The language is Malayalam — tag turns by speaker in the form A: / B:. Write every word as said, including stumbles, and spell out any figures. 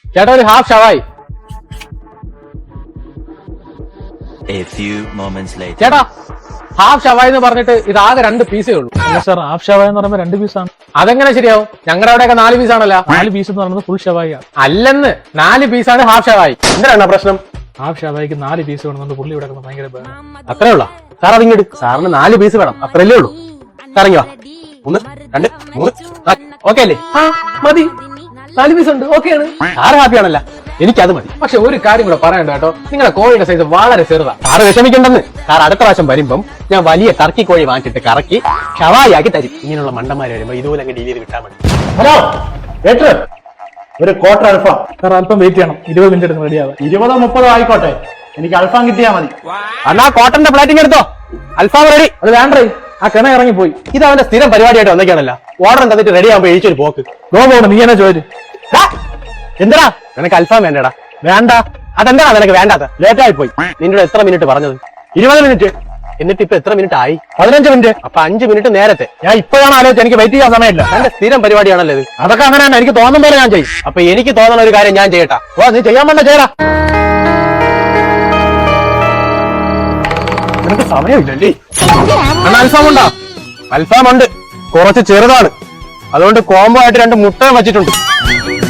A: ചേട്ടാ ഒരു ഹാഫ് ഷവായി. ചേട്ടാ ഹാഫ് ഷവായി എന്ന് പറഞ്ഞിട്ട് ഇത് ആകെ രണ്ട് പീസേ ഉള്ളൂ.
B: അല്ല സാർ, ഹാഫ് ഷവായ എന്ന് പറയുമ്പോൾ രണ്ട് പീസാണ്.
A: അതെങ്ങനെ ശരിയാവും? ഞങ്ങളുടെ അവിടെയൊക്കെ നാല് പീസാണല്ലോ.
B: നാല് പീസ് എന്ന് പറയുന്നത് ഫുൾ ഷവായിയാണ്.
A: അല്ലെന്ന്, നാല് പീസാണ് ഹാഫ് ഷവായി. എന്തിനാണ് പ്രശ്നം?
B: ഹാഫ് ഷവായിക്ക് നാല് പീസ് വേണമെന്നുണ്ട് പുള്ളി ഇവിടെ ഭയങ്കര
A: അത്രേ ഉള്ളൂ സാർ. അതിങ്ങോട്ട് സാറിന് നാല് പീസ് വേണം, അത്രയല്ലേ ഉള്ളൂ. സാറിങ്ങോ ഒന്ന് രണ്ട് മൂന്ന് ഓക്കെ അല്ലേ? ആ മതി, നാല് പീസ് ഉണ്ട്, ഓക്കെയാണ്. സാറ് ഹാപ്പിയാണല്ല, എനിക്കത് മതി. പക്ഷെ ഒരു കാര്യം കൂടെ പറയണ്ട കേട്ടോ, നിങ്ങളുടെ കോഴിയുടെ സൈസ് വളരെ ചെറുതാ. സാറ് വിഷമിക്കണ്ടെന്ന്. സാർ അടുത്ത പ്രാവശ്യം വരുമ്പം ഞാൻ വലിയ ടർക്കി കോഴി വാങ്ങിച്ചിട്ട് കറക്കി ഷവായി ആക്കി തരും. ഇങ്ങനെയുള്ള മണ്ടന്മാര് വരുമ്പോ ഇതുപോലെ അങ്ങ് ഡീൽ ചെയ്ത് വിട്ടാൽ മതി.
C: ഹലോ ഏട്ടർ, ഒരു ക്വാർട്ടർ അൽഫാം.
B: സാർ അല്പം വെയിറ്റ് ചെയ്യണം, ഇരുപത് മിനിറ്റ് എടുത്ത് റെഡിയാവാം.
C: ഇരുപതോ മുപ്പതോ ആയിക്കോട്ടെ, എനിക്ക് അൽഫാം കിട്ടിയാൽ മതി.
A: അണ്ണാ കോട്ടന്റെ പ്ലേറ്റിംഗ് എടുത്തോ, അൽഫാം റെഡി.
B: അത് വേണ്ടേ, ആ കിണ ഇറങ്ങിപ്പോയി.
A: ഇത് അവന്റെ സ്ഥിരം പരിപാടിയായിട്ട് വന്നേക്കാണല്ലോ. ഓർഡർ തന്നിട്ട് റെഡി ആകുമ്പോ എഴുതിച്ചൊരു പോക്ക്.
B: നോ പോകണം, നീ എന്നെ ചോദിച്ചു.
A: എന്താ നിനക്ക് അൽഫാം വേണ്ടടാ? വേണ്ട. അതെന്താ നിനക്ക് വേണ്ടാത്ത? ലേറ്റായി പോയി. നിന്നോട് എത്ര മിനിറ്റ് പറഞ്ഞത്? ഇരുപത് മിനിറ്റ്. എന്നിട്ട് ഇപ്പൊ എത്ര മിനിറ്റ് ആയി? പതിനഞ്ച് മിനിറ്റ്. അപ്പൊ അഞ്ച് മിനിറ്റ് നേരത്തെ. ഞാൻ ഇപ്പോഴാണ് ആലോചിച്ചത്, എനിക്ക് വെയിറ്റ് ചെയ്യാൻ സമയമില്ല. എന്റെ സ്ഥിരം പരിപാടിയാണല്ലോ ഇത്. അതൊക്കെ അങ്ങനെ തന്നെ, എനിക്ക് തോന്നുന്ന പോലെ ഞാൻ ചെയ്യും. അപ്പൊ എനിക്ക് തോന്നുന്ന ഒരു കാര്യം ഞാൻ ചെയ്യട്ടാ. ഓ നീ ചെയ്യാൻ വേണ്ട ചെയ്യടാ. നിനക്ക് സമയമില്ലല്ലേ? അണ്ണാ അൽഫാം ഉണ്ടോ? അൽഫാം ഉണ്ട്, കുറച്ച് ചെറുതാണ്. അതുകൊണ്ട് കോംബോ ആയിട്ട് രണ്ട് മുട്ട വെച്ചിട്ടുണ്ട്.